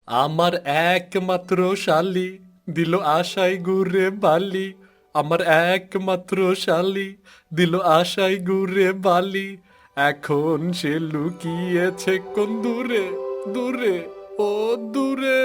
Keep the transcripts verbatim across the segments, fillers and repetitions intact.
আমার একমাত্র শালি দিল আশায় ঘুরে বালি। আমার একমাত্র শালি দিল আশায় ঘুরে বালি। এখন সে লুকিয়েছে কোন দূরে, দূরে, ও দূরে।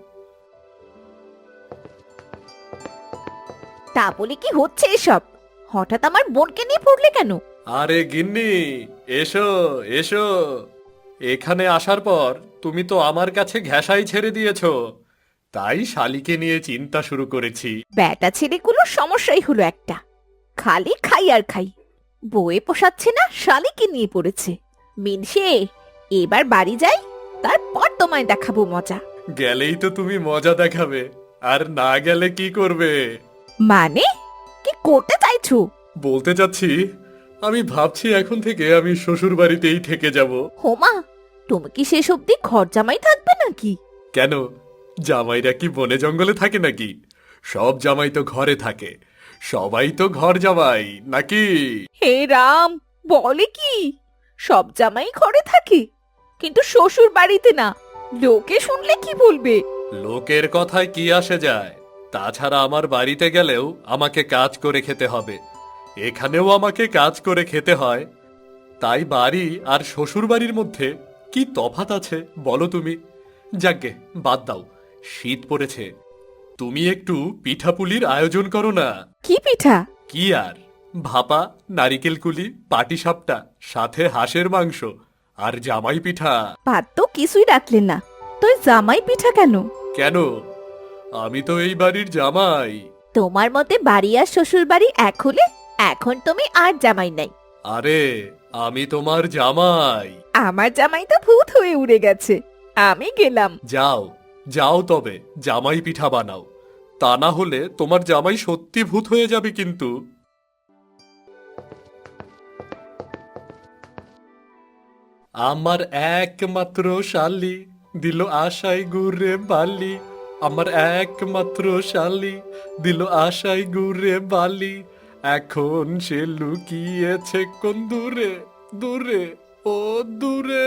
তা বলে কি হচ্ছে এসব? হঠাৎ আমার বোনকে নিয়ে পড়লে কেন? আরে গিন্নি, এসো এসো। এখানে আসার পর তুমি তো আমার কাছে ঘেঁষাই ছেড়ে দিয়েছো, তাই শালিকে নিয়ে চিন্তা শুরু করেছি। ব্যাটা ছেলেগুলোর সমস্যাই হলো একটা, খালি খাই আর খাই। বউয়ে পোষাচ্ছে না, শালিকে নিয়ে পড়েছে। মিনসে, এবার বাড়ি যাই, তারপর তোমায় দেখাবো মজা। গেলেই তো তুমি মজা দেখাবে, আর না গেলে কি করবে? মানে কি করতে চাইছো? বলতে চাচ্ছি, আমি ভাবছি এখন থেকে আমি শ্বশুর বাড়িতেই থেকে যাব। হোমা, তুমি কি শেষ অব্দি ঘর জামাই থাকবে নাকি? কেন, জামাইরা কি বনে জঙ্গলে থাকে নাকি? সব জামাই তো ঘরে থাকে, সবাই তো ঘর জামাই নাকি? হে রাম, বলে কি? সব জামাই ঘরে থাকে, কিন্তু শ্বশুর বাড়িতে না। লোকে শুনলে কি বলবে? লোকের কথায় কি আসে যায়? তাছাড়া আমার বাড়িতে গেলেও আমাকে কাজ করে খেতে হবে, এখানেও আমাকে কাজ করে খেতে হয়। তাই বাড়ি আর শ্বশুর বাড়ির মধ্যে কি তফাৎ আছে বলো তুমি? যাকগে, বাদ দাও, শীত পড়েছে। তুমি একটু পিঠাপুলির আয়োজন করো না। কি পিঠা? কি আর, ভাপা, নারিকেল কুলি, পাটিসাপটা, সাথে হাঁসের মাংস আর জামাই পিঠা। ভাত তো কিছুই রাখলেন না, তুই জামাই পিঠা কেন? কেন, আমি তো এই বাড়ির জামাই। তোমার মতে বাড়ি আর শ্বশুর বাড়ি এক হলে এখন তুমি আর জামাই নাই। আরে, আমি তোমার জামাই। আমার জামাই তো ভূত হয়ে উড়ে গেছে, আমি গেলাম। যাও, যাও তবে জামাই পিঠা বানাও, তা না হলে তোমার জামাই সত্যি ভূত হয়ে যাবে কিন্তু। আমার একমাত্র শালি দিল আশায় ঘুরে বালি। আমার একমাত্র শালি দিল আশায় ঘুরে বালি। এখন সে লুকিয়েছে কোন দূরে, দূরে, ও দূরে।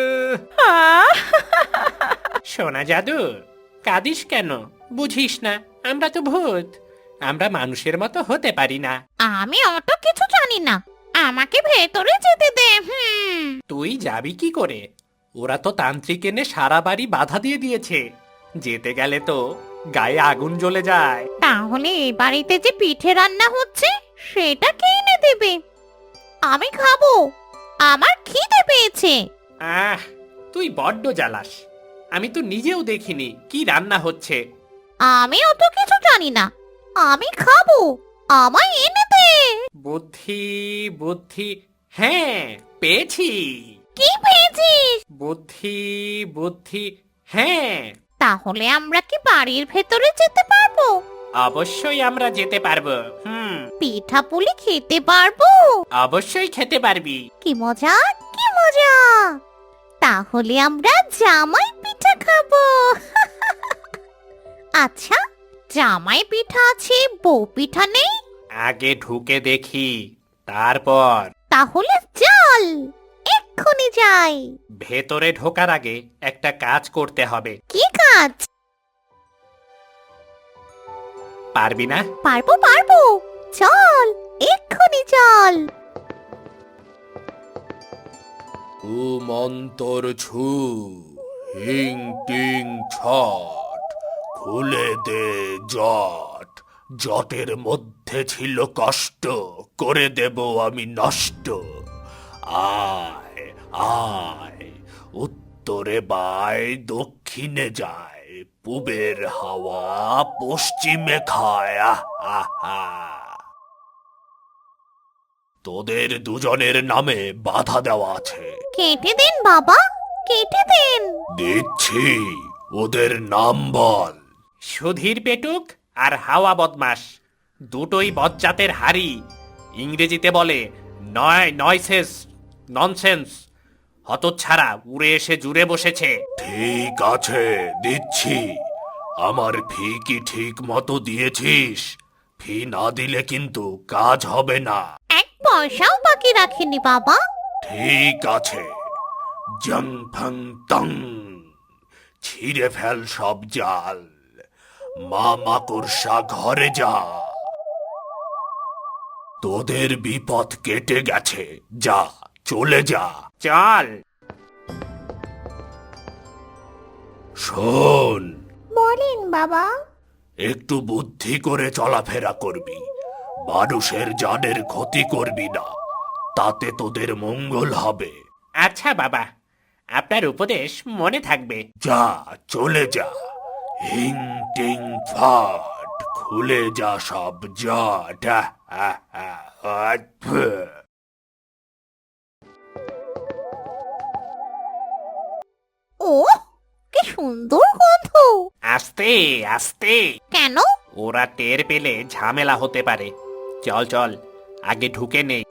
সোনা জাদু, কাঁদিস কেন? বুঝিস না আমরা তো ভূত, আমরা মানুষের মতো হতে পারি না। আমি অত কিছু জানি না, আমাকে ভেতরে যেতে দে। হুম। তুই যাবি কি করে? ওরা তো তান্ত্রিক এনে সারা বাড়ি বাধা দিয়ে দিয়েছে, যেতে গেলে তো গায়ে আগুন জ্বলে যায়। তাহলে এই বাড়িতে যে পিঠে রান্না হচ্ছে সেটা কে এনে দেবে? আমি খাবো, আমার খিদে পেয়েছে। আহ, তুই বড্ড জ্বালাস। আমি তো নিজেও দেখিনি কি রান্না হচ্ছে। আমি অত কিছু জানি না, আমি খাবো, আমায় এনে দে। বুদ্ধি, বুদ্ধি, হ্যাঁ পেয়েছি। কি পেয়েছিস? বুদ্ধি, বুদ্ধি, হ্যাঁ। তাহলে আমরা কি বাড়ির ভেতরে যেতে পারবো? অবশ্যই আমরা যেতে পারবো। হুম, পিঠা পুলি খেতে পারবো? অবশ্যই খেতে পারবি। কি মজা, কি মজা! তাহলে আমরা জামাই পিঠা খাবো। আচ্ছা, জামাই পিঠা আছে, বউ পিঠা নেই? আগে ঢুকে দেখি, তারপর। তাহলে চল, এক্ষুনি যাই। ভেতরে ঢোকার আগে একটা কাজ করতে হবে। কি কাজ? পারবি না? পারবো পারবো, চল, এক্ষুনি চল। উ মন্তর ছু, হিং টিং ছট, খুলে দে জট। জটের মধ্যে ছিল কষ্ট, করে দেব আমি নষ্ট। আয় আয়, উত্তরে বায়, দক্ষিণে যায়, পূবের হাওয়া পশ্চিমে খায়। আহ আহ আহ। তোদের দুজনের নামে বাধা দেওয়া আছে। কেটে দিন বাবা, কেটে দিন। দিচ্ছি, ওদের নাম বল। সুধীর পেটুক আর হাওয়া বদমাস, দুটোই বজ্জাতের হাড়ি। ইংরেজিতে বলে নয় নয়সেস, ননসেন্স। হতচ্ছাড়া উড়ে এসে জুড়ে বসেছে। ঠিক আছে, দিচ্ছি। আমার ফি কি ঠিক মতো দিয়েছিস? ফি না দিলে কিন্তু কাজ হবে না। এক পয়সাও বাকি রাখিনি বাবা। ঠিক আছে। জং ফং তং, ছিঁড়ে ফেল সব জাল। মা মাকড়সা ঘরে যা, তোদের বিপদ কেটে গেছে, যা চলে যা। চল। শোন, বলেন বাবা। একটু বুদ্ধি করে চলাফেরা করবি, মানুষের জানের ক্ষতি করবি না, তাতে তোদের মঙ্গল হবে। আচ্ছা বাবা, আপনার উপদেশ মনে থাকবে। যা চলে যা। হিং টিং ফাট, খুলে যা সব জট। আহ, আহ, আহ, আহ, ফুহ। ও কি সুন্দর গন্ধ। আস্তে আস্তে, কেন? ওরা টের পেলে ঝামেলা হতে পারে। চল চল, আগে ঢুকে নেই।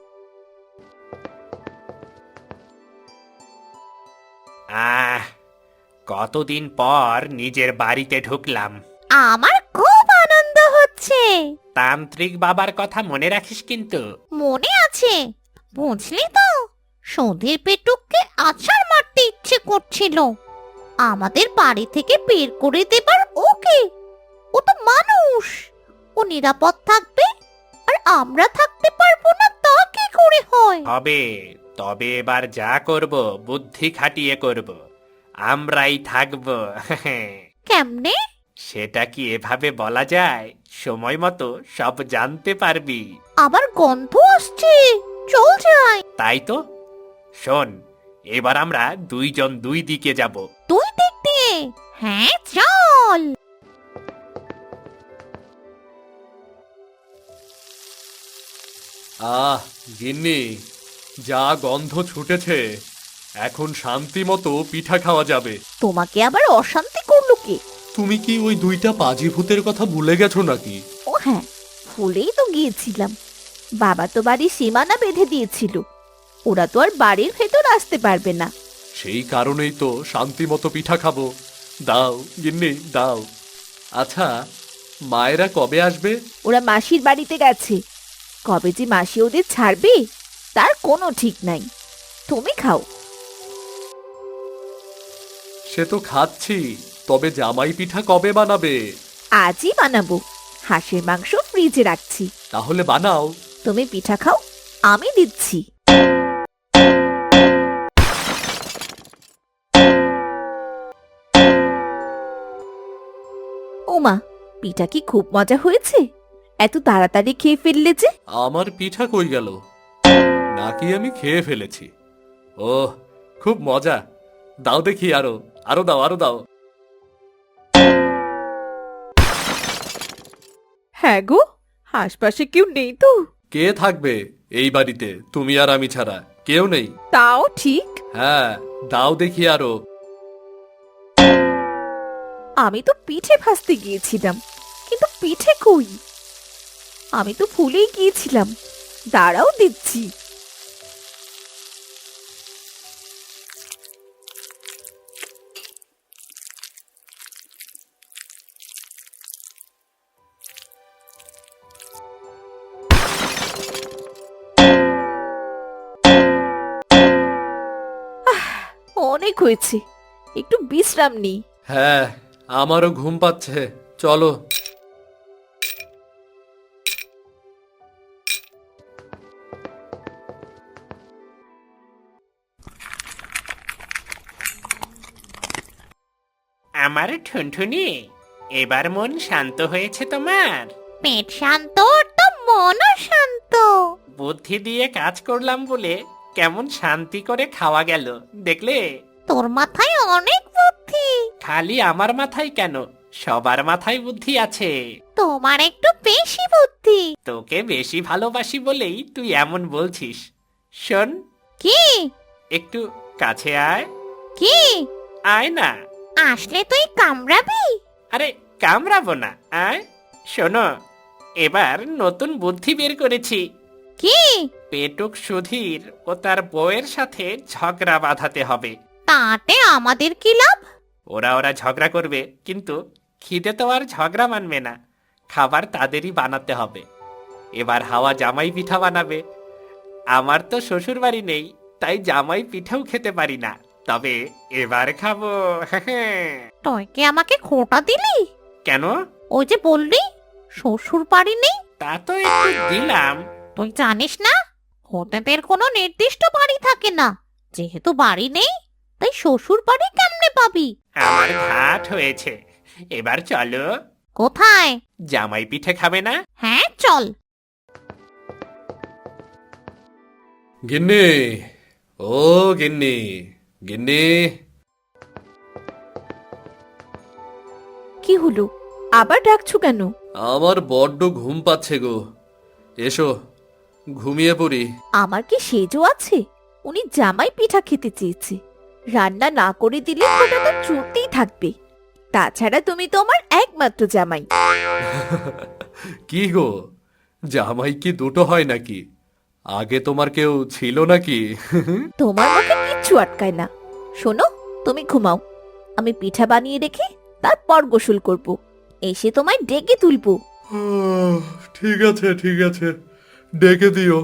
আহ, কতদিন পর নিজের বাড়িতে ঢুকলাম। আমার খুব আনন্দ হচ্ছে। তান্ত্রিক বাবার কথা মনে রাখিস কিন্তু। মনে আছে, বুঝলি তো, সন্ধের পেটুককে আছাড় মারতে ইচ্ছে করছিল। আমাদের বাড়ি থেকে বের করে দেবার ওকে। ও তো মানুষ, ও নিরাপদ থাকবে আর আমরা থাকতে পারবো না, তা কি করে হয়? হবে, তবে এবার যা করব বুদ্ধি খাটিয়ে করব। আমরাই থাকবো। কেমনে? সেটা কি এভাবে বলা যায়? সময় মতো সব জানতে পারবি। আবার গন্ধ আসছে, চল যাই। তাই তো, শোন, এবার আমরা দুইজন দুই দিকে যাব। তুই দিক দিয়ে? হ্যাঁ চল। আহ গিন্নি, যা গন্ধ ছুটেছে, এখন শান্তি মতো পিঠা খাওয়া যাবে। তোমাকে আবার অশান্তি করলো কে? তুমি কি ওই দুইটা পাজি ভূতের কথা ভুলে গেছো নাকি? ও হ্যাঁ, ভুলেই তো গিয়েছিলাম। বাবা তো বাড়ির সীমানা বেঁধে দিয়েছিল, ওরা তো আর বাড়ির ভেতর আসতে পারবে না। সেই কারণেই তো শান্তি মতো পিঠা খাবো। দাও গিন্নি দাও। আচ্ছা, মায়েরা কবে আসবে? ওরা মাসির বাড়িতে গেছে, কবে যে মাসি ওদের ছাড়বে তার কোনো ঠিক নাই। তুমি খাও। সে তো খাচ্ছি, তবে জামাই পিঠা কবে বানাবে? আজই বানাবো, হাঁসের মাংস ফ্রিজে রাখছি। তাহলে বানাও। তুমি পিঠা খাও, আমি দিচ্ছি। ওমা, পিঠা কি খুব মজা হয়েছে? এত তাড়াতাড়ি খেয়ে ফেললে যে। আমার পিঠা কই গেল? নাকি আমি খেয়ে ফেলেছি? ওহ, খুব মজা। দাও দেখি, আরো আরো দাও, আরো দাও। হ্যাঁ গো, আশপাশে কেউ নেই তো? কে থাকবে এই বাড়িতে তুমি আর আমি ছাড়া? কেউ নেই। তাও ঠিক। হ্যাঁ, দাও দেখি আরো। আমি তো পিঠে ভাজতে গিয়েছিলাম, কিন্তু পিঠে কই? আমি তো ভুলেই গিয়েছিলাম। দাঁড়াও, দিচ্ছি। আহ, অনেক হয়েছে, একটু বিশ্রাম নিই। হ্যাঁ, আমারও ঘুম পাচ্ছে, চলো। আমার ঠুনঠুনি, এবার মন শান্ত হয়েছে তোমার? পেট শান্ত তো মনও শান্ত। বুদ্ধি দিয়ে কাজ করলাম বলে কেমন শান্তি করে খাওয়া গেল, দেখলে? তোর মাথায় অনেক বুদ্ধি। খালি আমার মাথায় কেন, সবার মাথায় বুদ্ধি আছে। তোমার একটু বেশি বুদ্ধি। তোকে বেশি ভালোবাসি বলেই তুই এমন বলছিস। শোন, কি? একটু কাছে আয়। কি? আয় না। আসলে তুই কামড়াবি? আরে কামড়াবো না, আয়। শোনো, এবার নতুন বুদ্ধি বের করেছি। কি? পেটুক সুধীর ও তার বউয়ের সাথে ঝগড়া বাঁধাতে হবে। তাতে আমাদের কি লাভ? ওরা ওরা ঝগড়া করবে, কিন্তু খিদে তো আর ঝগড়া মানবে না। খাবার তাদেরই বানাতে হবে। এবার হাওয়া জামাই পিঠা বানাবে। আমার তো শ্বশুর বাড়ি নেই, তাই জামাই পিঠাও খেতে পারি না। তবে এবার খাবো। তুই কি আমাকে খোটা দিলি? কেন? ওই যে বললি শ্বশুর বাড়ি নেই, তা তো একটু দিলাম। তুই জানিস না হোটেলের কোনো নির্দিষ্ট বাড়ি থাকে না। যেহেতু বাড়ি নেই তাই শ্বশুর বাড়ি কেমনে পাবি? আমার ঘাট হয়েছে, এবার চলো। কোথায়? জামাই পিঠে খাবে না? হ্যাঁ চল। গিন্নি, ও গিন্নি, গিন্নি। কি হলো, আবার ডাকছো কেন? আমার বড্ড ঘুম পাচ্ছে গো, এসো ঘুমিয়ে পড়ি। আমার কি সেজও আছে? উনি জামাই পিঠা খেতে চেয়েছে, রান্না না করে দিলে ওটা তো চলতেই থাকবে। তাছাড়া তুমি তো আমার একমাত্র জামাই। কি গো, জামাই কি দুটো হয় নাকি? আগে তোমার কেউ ছিল নাকি? তোমার মুখে কিচ্ছু আটকায় না। শোনো, তুমি ঘুমাও, আমি পিঠা বানিয়ে রেখে তারপর গোসল করব, এসে তোমায় ডেকে তুলবো। ঠিক আছে ঠিক আছে, ডেকে দিও।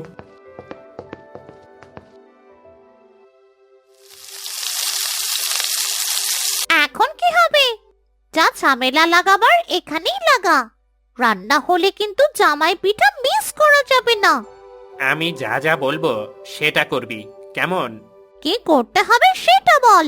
এখন কি হবে? যা ঝামেলা লাগাবার এখানেই লাগা। রান্না হলে কিন্তু জামাই পিঠা মিস করা যাবে না। আমি যা যা বলবো সেটা করবি, কেমন? কি করতে হবে সেটা বল।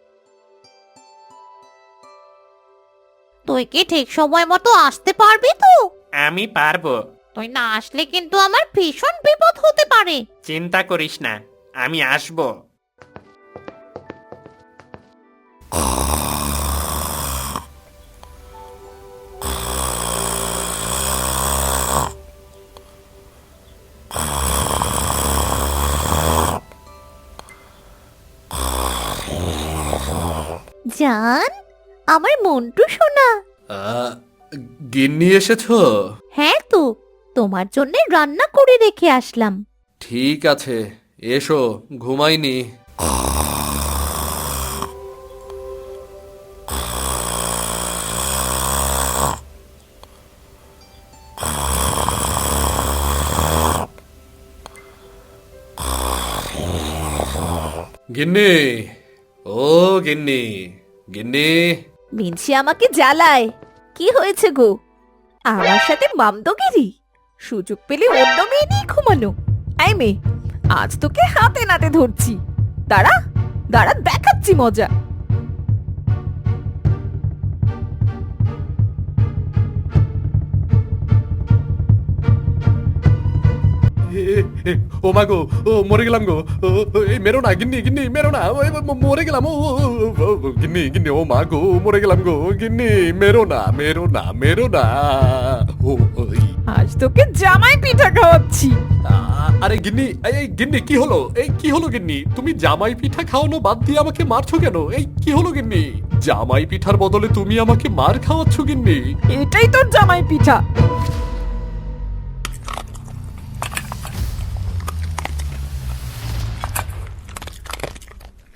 তুই কি ঠিক সময় মতো আসতে পারবি তো? আমি পারবো। তুই না আসলে কিন্তু আমার ভীষণ বিপদ হতে পারে। চিন্তা করিস না, আমি আসবো। জান, আমার মন্টু সোনা। আহ, গিন্নি এসেছো? হ্যাঁ তো, তোমার জন্য রান্না করে রেখে আসলাম। ঠিক আছে, এসো, ঘুমাইনি। গিন্নি, ও গিন্নি, গিন্নি। মিনসি আমাকে জ্বালায়। কি হয়েছে গো? আমার সাথে মামদগিরি? সুযোগ পেলে অন্য মেয়ে নিয়ে ঘুমানো? এই মেয়ে, আজ তোকে হাতে নাতে ধরছি। দাঁড়া দাঁড়া, দেখাচ্ছি মজা। ও মা গো, ও মরে গেলাম গো। ও, ও, এই মেরো না গিন্নি, গিন্নি মেরো না, ওই, ম- মরে গেলাম। ও ও, ও, ও, গিন্নি, গিন্নি, ও মা গো, মরে গেলাম গো। গিন্নি মেরো না, মেরো না, মেরো না। ও ওই। আজ তোকে জামাই পিঠা খাওয়াচ্ছি। আ- আরে গিন্নি, এই এই, গিন্নি কি হলো? এই কি হলো গিন্নি? তুমি জামাই পিঠা খাওয়ানো বাদ দিয়ে আমাকে মারছো কেন? এই কি হলো গিন্নি? জামাই পিঠার বদলে তুমি আমাকে মার খাওয়াচ্ছ গিন্নি। এটাই তোর জামাই পিঠা।